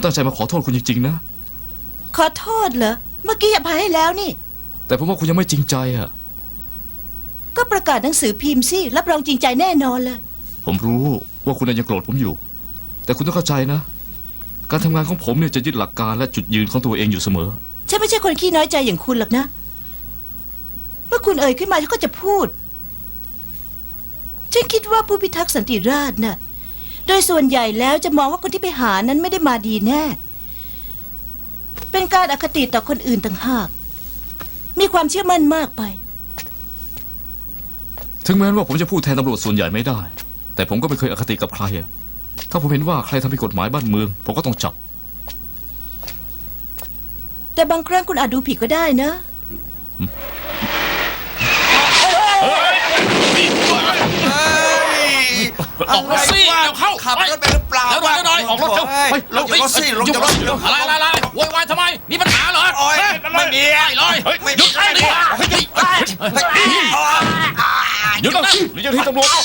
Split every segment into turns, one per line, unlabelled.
ตั้งใจมาขอโทษคุณจริงๆนะ
ขอโทษเหรอเมื่อกี้อภัยให้แล้วนี่
แต่ผมว่าคุณยังไม่จริงใจอะ
ก็ประกาศหนังสือพิมพ์สิรับรองจริงใจแน่นอนเลย
ผมรู้ว่าคุณยังโกรธผมอยู่แต่คุณต้องเข้าใจนะการทำงานของผมเนี่ยจะยึดหลักการและจุดยืนของตัวเองอยู่เสมอ
ฉันไม่ใช่คนขี้น้อยใจอย่างคุณหรอกนะเมื่อคุณเอ่ยขึ้นมาฉันก็จะพูดฉันคิดว่าผู้พิทักษ์สันติราษฎร์น่ะโดยส่วนใหญ่แล้วจะมองว่าคนที่ไปหานั้นไม่ได้มาดีแน่เป็นการอคติต่อคนอื่นต่างหากมีความเชื่อมั่นมากไป
ถึงแม้ว่าผมจะพูดแทนตำรวจส่วนใหญ่ไม่ได้แต่ผมก็ไม่เคยอคติกับใครอะถ้าผมเห็นว่าใครทำผิดกฎหมายบ้านเมืองผมก็ต้องจับ
แต่บางครั้งคุณอาจดูผิดก็ได้นะ
ออกรถสิเร็วเข้า
ขับรถไปหรือเปล่า
เร็วหน่อยออกรถเร็ว
ลงจากรถสิลงจากรถ
อะไรโวยวายทำไมมีปัญหาเหรอ
ไม่มี
เลยหยุดเลย
หยุดนะหรือจะที่ตำรวจ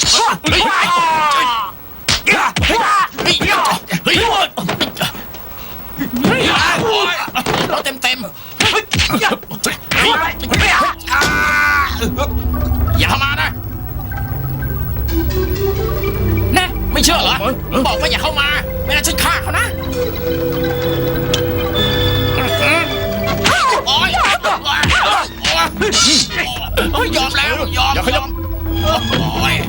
เต็มอย่ามานะไม่เชื่อเหรอบอกว่าอย่าเข้ามาไม่งั้นฉันฆ่าเขานะโอ๊ยยอมแล้วยอมโอ๊ย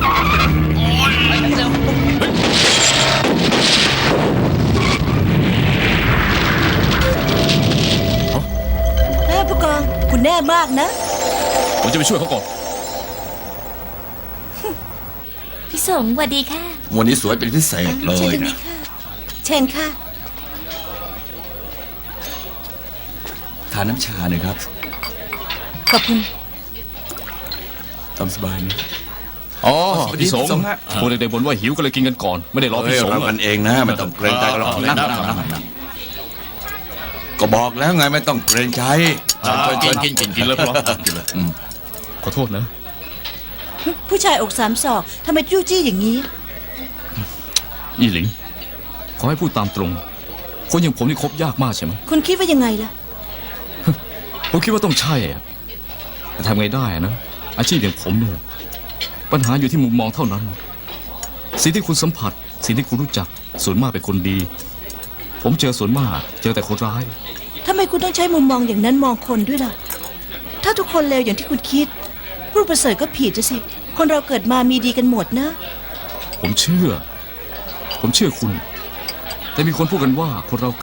ผู้กองคุณแน่มากนะ
ผมจะไปช่วยเขาก่อน
พี่สมสวัสดีค่ะ
วันนี้สวยเป็นพิเศษเลยนะ
เชิญค่ะ
ทานน้ำชาหน่อยครับ
ขอบคุณ
ตามสบายนะ
อ๋อพี่สงพวกเด็กๆบ่นว่าหิวก็เลยกินกันก่อนไม่ได้รอพี่สง
เรากันเองนะไม่ต้องเกรงใจเรานั่งก็บอกแล้วไงไม่ต้องเกรงใจ
กินเลยพร้อมขอโทษนะ
ผู้ชายอกสามศอกทำไมจู้จี้อย่างนี้
อีหลิงขอให้พูดตามตรงคนอย่างผมนี่คบยากมากใช่ไหม
คุณคิดว่ายังไงล่ะ
ผมคิดว่าต้องใช่อะแต่ทำไงได้นะอาชีพอย่างผมเนี่ยปัญหาอยู่ที่มุมมองเท่านั้นสิ่งที่คุณสัมผัสสิ่งที่คุณรู้จักส่วนมากเป็นคนดีผมเจอส่วนมากเจอแต่คนร้าย
ทำไมคุณต้องใช้มุมมองอย่างนั้นมองคนด้วยล่ะถ้าทุกคนเลวอย่างที่คุณคิดผู้ประเสริฐก็ผิดสิคนเราเกิดมามีดีกันหมดนะ
ผมเชื่อคุณแต่มีคนพูดกันว่าคนเรา